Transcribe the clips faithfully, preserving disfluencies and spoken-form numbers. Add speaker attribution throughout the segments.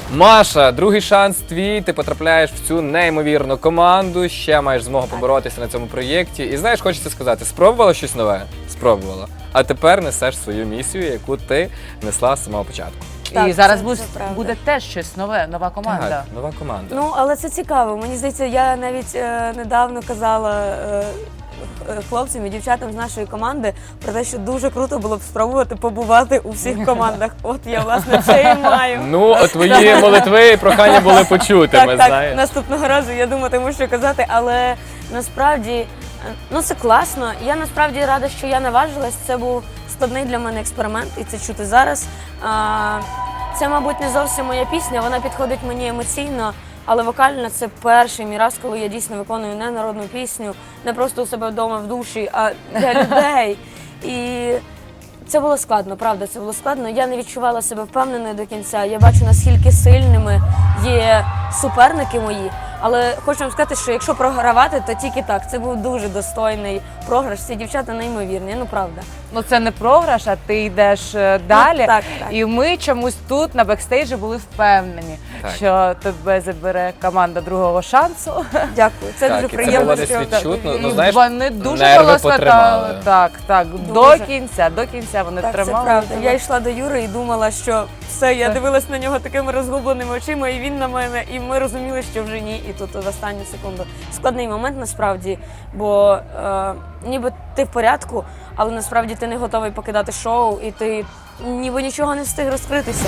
Speaker 1: Маша, другий шанс твій, ти потрапляєш в цю неймовірну команду, ще маєш змогу поборотися на цьому проєкті. І знаєш, хочеться сказати, спробувала щось нове? Спробувала. А тепер несеш свою місію, яку ти несла з самого початку.
Speaker 2: Так,
Speaker 3: і зараз
Speaker 2: це-
Speaker 3: буде,
Speaker 2: це правда.
Speaker 3: буде теж щось нове, нова команда.
Speaker 1: Так, нова команда.
Speaker 2: Ну, але це цікаво. Мені здається, я навіть е, недавно казала е, е, хлопцям і дівчатам з нашої команди про те, що дуже круто було б спробувати побувати у всіх командах. От я, власне, це і маю.
Speaker 1: Ну, твої молитви і прохання були почутими,
Speaker 2: Так, так,
Speaker 1: знаєш.
Speaker 2: наступного разу я думатиму, що казати, але насправді, е, ну це класно. Я насправді рада, що я наважилась. Це був складний для мене експеримент, і це чути зараз. А, Це, мабуть, не зовсім моя пісня, вона підходить мені емоційно, але вокально це перший мій раз, коли я дійсно виконую не народну пісню, не просто у себе вдома в душі, а для людей. І це було складно, правда, це було складно. Я не відчувала себе впевненою до кінця. Я бачу, наскільки сильними є суперники мої. Але хочу вам сказати, що якщо програвати, то тільки так. Це був дуже достойний програш. Ці дівчата неймовірні, ну правда.
Speaker 3: Ну це не програш, а ти йдеш е, далі.
Speaker 2: Ну, так, так.
Speaker 3: І ми чомусь тут на бекстейджі були впевнені,
Speaker 1: Так.
Speaker 3: що тебе забере команда другого шансу.
Speaker 2: Дякую. Це
Speaker 1: Так,
Speaker 2: дуже
Speaker 1: і це
Speaker 2: приємно.
Speaker 1: було десь
Speaker 2: що-
Speaker 1: відчутно.
Speaker 2: І-
Speaker 1: Ну, знаєш,
Speaker 3: вони дуже
Speaker 1: нерви
Speaker 3: голосно
Speaker 1: потримали.
Speaker 3: так, так,
Speaker 2: Дуже.
Speaker 3: до кінця, до кінця вони
Speaker 2: Так, це
Speaker 3: тримали.
Speaker 2: правда.
Speaker 3: тебе.
Speaker 2: Я йшла до Юри і думала, що все, я
Speaker 3: Так.
Speaker 2: дивилась на нього такими розгубленими очима, і він на мене, і ми розуміли, що вже ні. І тут в останню секунду. Складний момент насправді, бо е, ніби ти в порядку, але насправді ти не готовий покидати шоу, і ти ніби нічого не встиг розкритися.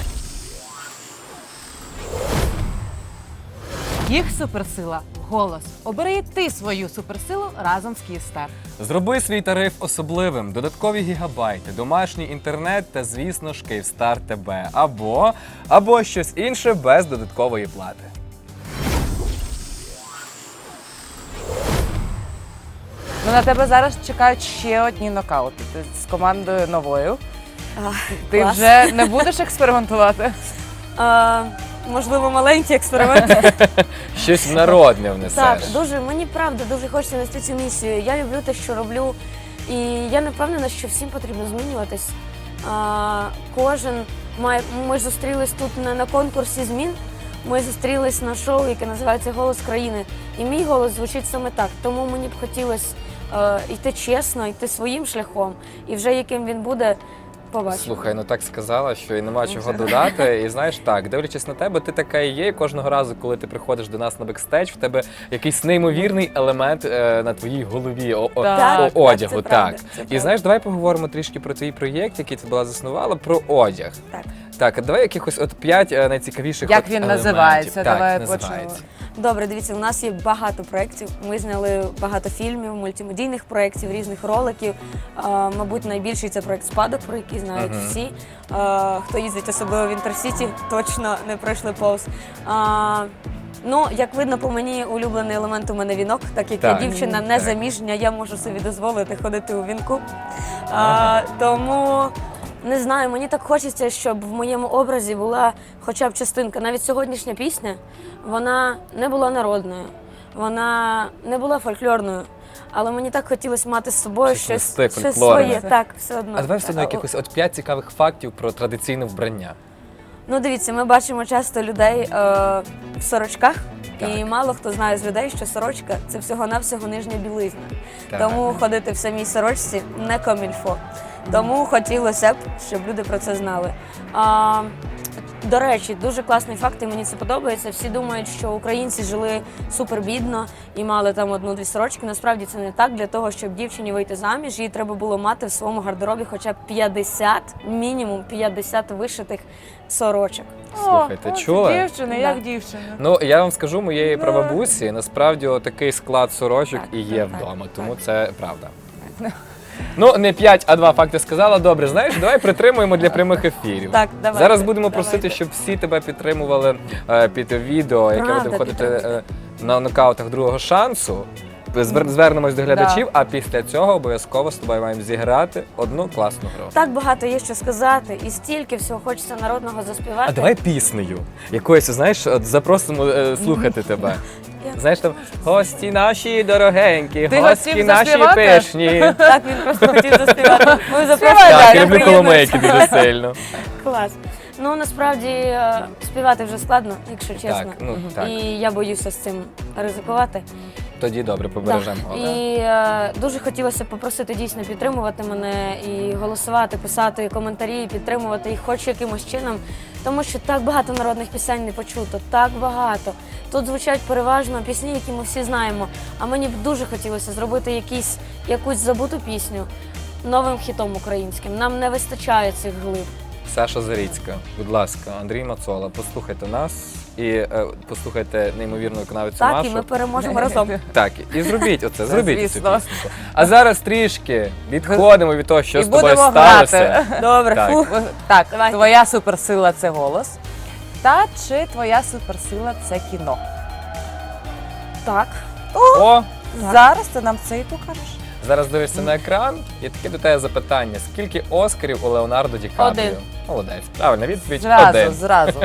Speaker 3: Їх суперсила – голос. Обери і ти свою суперсилу разом з Київстар.
Speaker 1: Зроби свій тариф особливим, додаткові гігабайти, домашній інтернет та, звісно ж, Київстар ТБ. Або, або щось інше без додаткової плати.
Speaker 3: Ну, на тебе зараз чекають ще одні нокаути. Ти з командою новою.
Speaker 2: А,
Speaker 3: Ти
Speaker 2: клас.
Speaker 3: вже не будеш експериментувати?
Speaker 2: Е, можливо, маленький експеримент.
Speaker 1: Щось народне внесеш.
Speaker 2: Так, дуже, мені правда дуже хочеться нести цю місію. Я люблю те, що роблю, і я не впевнена, що всім потрібно змінюватись. А, кожен має. Ми зустрілись тут не на конкурсі змін. Ми зустрілись на шоу, яке називається Голос країни. І мій голос звучить саме так. Тому мені б хотілося е, йти чесно, йти своїм шляхом. І вже яким він буде, побачимо.
Speaker 1: Слухай, ну так сказала, що і нема чого додати. І знаєш, так, дивлячись на тебе, ти така і є. І кожного разу, коли ти приходиш до нас на бекстейдж, в тебе якийсь неймовірний елемент е, на твоїй голові о, о,
Speaker 3: Так,
Speaker 1: о-
Speaker 2: так,
Speaker 1: одягу.
Speaker 2: це
Speaker 1: Так,
Speaker 2: правда, це
Speaker 1: І
Speaker 2: правда.
Speaker 1: знаєш, давай поговоримо трішки про твій проєкт, який ти була заснувала, про одяг.
Speaker 2: Так.
Speaker 1: Так, а давай якихось от п'ять е, найцікавіших
Speaker 3: Як
Speaker 1: от
Speaker 3: він
Speaker 1: елементів.
Speaker 3: називається?
Speaker 1: Так,
Speaker 3: Давай
Speaker 1: називається.
Speaker 3: почнемо.
Speaker 2: Добре, дивіться, у нас є багато проєктів. Ми зняли багато фільмів, мультимедійних проєктів, різних роликів. А, мабуть, найбільший це проєкт «Спадок», про який знають
Speaker 1: Мгм.
Speaker 2: всі. А, хто їздить особливо в Інтерсіті, точно не пройшли повз. А, ну, як видно по мені, улюблений елемент у мене вінок, так як
Speaker 1: Так.
Speaker 2: я дівчина
Speaker 1: Так.
Speaker 2: незаміжня, я можу собі дозволити ходити у вінку. А, тому... Не знаю, мені так хочеться, щоб в моєму образі була хоча б частинка. Навіть сьогоднішня пісня, вона не була народною, вона не була фольклорною, але мені так хотілося мати з собою
Speaker 1: Щось
Speaker 2: щось,
Speaker 1: нести
Speaker 2: щось
Speaker 1: фольклорне.
Speaker 2: своє. Так, все одно.
Speaker 1: А давай все одно якихось от п'ять цікавих фактів про традиційне вбрання.
Speaker 2: Ну, дивіться, ми бачимо часто людей е, в сорочках,
Speaker 1: Так.
Speaker 2: і мало хто знає з людей, що сорочка – це всього-навсього нижня білизна.
Speaker 1: Так.
Speaker 2: Тому ходити в самій сорочці не комільфо. Тому хотілося б, щоб люди про це знали. А, до речі, дуже класний факт, і мені це подобається. Всі думають, що українці жили супербідно і мали там одну-дві сорочки. Насправді це не так. Для того, щоб дівчині вийти заміж, їй треба було мати в своєму гардеробі хоча б п'ятдесят, мінімум п'ятдесят вишитих сорочок.
Speaker 1: Слухай, ти
Speaker 3: О,
Speaker 1: чула?
Speaker 3: Дівчина,
Speaker 2: Да.
Speaker 3: як дівчина.
Speaker 1: Ну, я вам скажу, моєї
Speaker 3: Ну.
Speaker 1: прабабусі, насправді, такий склад сорочок
Speaker 2: Так,
Speaker 1: і є
Speaker 2: так,
Speaker 1: вдома,
Speaker 2: так.
Speaker 1: тому це правда. Ну, не п'ять, а два факти сказала. Добре, знаєш, давай притримуємо для прямих ефірів.
Speaker 2: Так, давайте,
Speaker 1: Зараз будемо
Speaker 2: давайте.
Speaker 1: просити, щоб всі тебе підтримували е, під відео, яке
Speaker 2: Правда,
Speaker 1: буде виходити
Speaker 2: підтримуйте.
Speaker 1: е, на нокаутах другого шансу. Звер- Звернемось до глядачів,
Speaker 3: Да.
Speaker 1: а після цього обов'язково з тобою маємо зіграти одну класну гру.
Speaker 2: Так багато є що сказати, і стільки всього хочеться народного заспівати.
Speaker 1: А давай піснею. Якоюсь, знаєш, от запросимо е, слухати тебе.
Speaker 2: Я-
Speaker 1: Знаєш, там гості наші дорогенькі,
Speaker 3: Ти
Speaker 1: гості
Speaker 3: хотів
Speaker 1: наші
Speaker 3: заспівати?
Speaker 1: пишні.
Speaker 2: Так, він просто хотів заспівати. Ми
Speaker 3: Співай
Speaker 2: запрошуємо.
Speaker 3: далі.
Speaker 1: Так,
Speaker 2: я
Speaker 1: я люблю
Speaker 2: приєднуюсь.
Speaker 1: коломейки дуже сильно.
Speaker 2: Клас. Ну насправді е, співати вже складно, якщо чесно.
Speaker 1: Так, ну так.
Speaker 2: І я боюся з цим ризикувати.
Speaker 1: Тоді добре, побережемо.
Speaker 2: Так. І е, дуже хотілося б попросити дійсно підтримувати мене і голосувати, писати коментарі, підтримувати їх хоч якимось чином, тому що так багато народних пісень не почуто, так багато. Тут звучать переважно пісні, які ми всі знаємо, а мені б дуже хотілося зробити якісь, якусь забуту пісню новим хітом українським. Нам не вистачає цих глиб.
Speaker 1: Саша Заріцька, будь ласка, Андрій Мацола, послухайте нас і е, послухайте неймовірну виконавицю
Speaker 2: Так,
Speaker 1: Машу.
Speaker 2: і ми переможемо разом.
Speaker 1: Так, і зробіть оце, зробіть цю
Speaker 3: Звісно.
Speaker 1: пісню. А зараз трішки відходимо від того, що
Speaker 3: І
Speaker 1: з тобою
Speaker 3: будемо
Speaker 1: сталося.
Speaker 3: грати.
Speaker 2: Добре,
Speaker 1: Так.
Speaker 2: фух.
Speaker 3: Так,
Speaker 2: Давайте.
Speaker 3: твоя суперсила це голос. Та чи твоя суперсила це кіно?
Speaker 2: Так.
Speaker 1: О,
Speaker 2: Так.
Speaker 3: Зараз ти нам це і покажеш.
Speaker 1: зараз дивишся на екран, і таке до тебе запитання. Скільки Оскарів у Леонардо Ді Капріо?
Speaker 2: Один.
Speaker 1: Молодець. Правильна відповідь.
Speaker 3: Зразу,
Speaker 1: Один.
Speaker 3: зразу.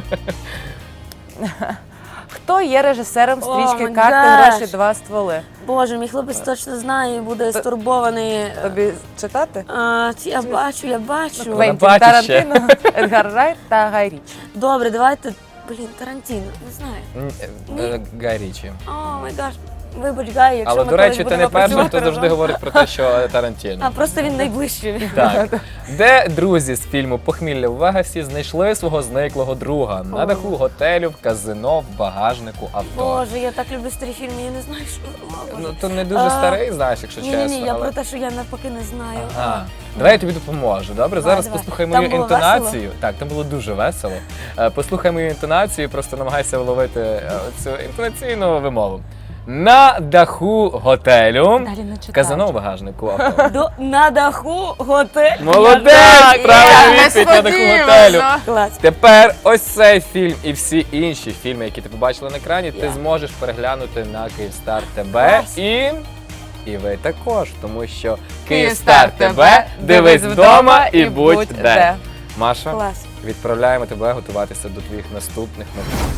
Speaker 3: Хто є режисером
Speaker 2: О,
Speaker 3: стрічки
Speaker 2: my
Speaker 3: «Карти,
Speaker 2: gosh.
Speaker 3: гроші, два стволи»?
Speaker 2: Боже, мій хлопець точно знає і буде стурбований.
Speaker 3: Тобі читати?
Speaker 2: А, ці- я бачу, я бачу.
Speaker 1: Квен-
Speaker 3: Квентін
Speaker 1: бачиш ще.
Speaker 3: Тарантино, Едгар Райт та Гай Річі.
Speaker 2: Добре, давайте. Блін, Тарантіно, не знаю.
Speaker 1: М, е, Гай Річі.
Speaker 2: О, май гаш. Вибач, Гай, якщо
Speaker 1: Але,
Speaker 2: ми
Speaker 1: до
Speaker 2: колись
Speaker 1: речі, ти
Speaker 2: будемо
Speaker 1: не перший,
Speaker 2: працювати
Speaker 1: хто завжди
Speaker 2: разом.
Speaker 1: говорить про те, що е, Тарантіно.
Speaker 2: А просто він найближчий.
Speaker 1: Так. Де друзі з фільму «Похмілля в Вегасі» знайшли свого зниклого друга на
Speaker 2: О.
Speaker 1: даху готелю, в казино, в багажнику авто.
Speaker 2: Боже, я так люблю старі фільми, я не знаю, що. О, Боже.
Speaker 1: Ну, то не дуже
Speaker 2: А,
Speaker 1: старий, знаєш, якщо
Speaker 2: Ні,
Speaker 1: чесно.
Speaker 2: ні, ні, я
Speaker 1: але...
Speaker 2: про те, що я навпаки не знаю.
Speaker 1: Ага. Давай я тобі допоможу. Добре,
Speaker 2: Давай,
Speaker 1: зараз
Speaker 2: давай.
Speaker 1: послухай
Speaker 2: Там
Speaker 1: мою
Speaker 2: було
Speaker 1: інтонацію. Так, там було дуже весело. Е, Послухай мою інтонацію, просто намагайся вловити е, цю інтонаційну вимову. На даху готелю,
Speaker 3: Далі не читаю.
Speaker 1: казино в багажнику авто.
Speaker 2: До, на даху готель.
Speaker 1: Молодець!
Speaker 2: Я-
Speaker 1: Правильна
Speaker 3: Я
Speaker 1: відповідь на даху
Speaker 3: несподівано.
Speaker 1: готелю.
Speaker 2: Клас.
Speaker 1: Тепер ось цей фільм і всі інші фільми, які ти побачила на екрані, ти
Speaker 2: Я.
Speaker 1: зможеш переглянути на Київстар ТБ
Speaker 2: Клас.
Speaker 1: і. І ви також, тому що
Speaker 3: Київстар
Speaker 1: Київстар ТБ дивись вдома і будь де. Маша,
Speaker 2: Клас.
Speaker 1: відправляємо тебе готуватися до твоїх наступних новин.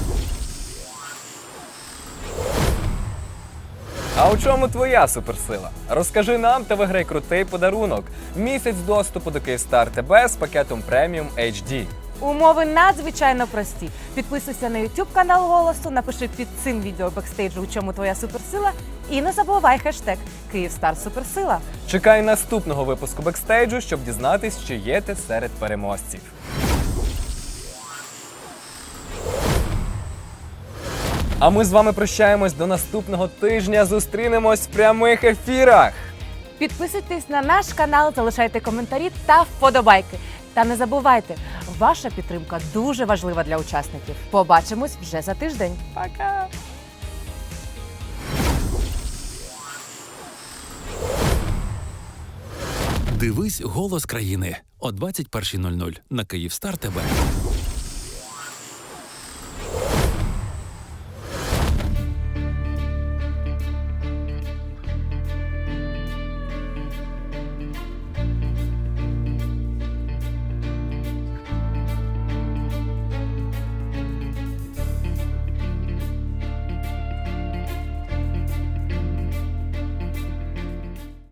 Speaker 1: А у чому твоя суперсила? Розкажи нам та виграй крутий подарунок. Місяць доступу до Київстар ТБ з пакетом преміум ейч ді.
Speaker 3: Умови надзвичайно прості. Підписуйся на YouTube канал Голосу, напиши під цим відео бекстейджу, у чому твоя суперсила, і не забувай хештег Київстар Суперсила.
Speaker 1: Чекай наступного випуску бекстейджу, щоб дізнатись, чи є ти серед переможців. А ми з вами прощаємось до наступного тижня. Зустрінемось в прямих ефірах.
Speaker 3: Підписуйтесь на наш канал, залишайте коментарі та вподобайки. Та не забувайте, ваша підтримка дуже важлива для учасників. Побачимось вже за тиждень. Пока!
Speaker 4: Дивись «Голос країни» о двадцять першій нуль нуль на Київстар ТБ.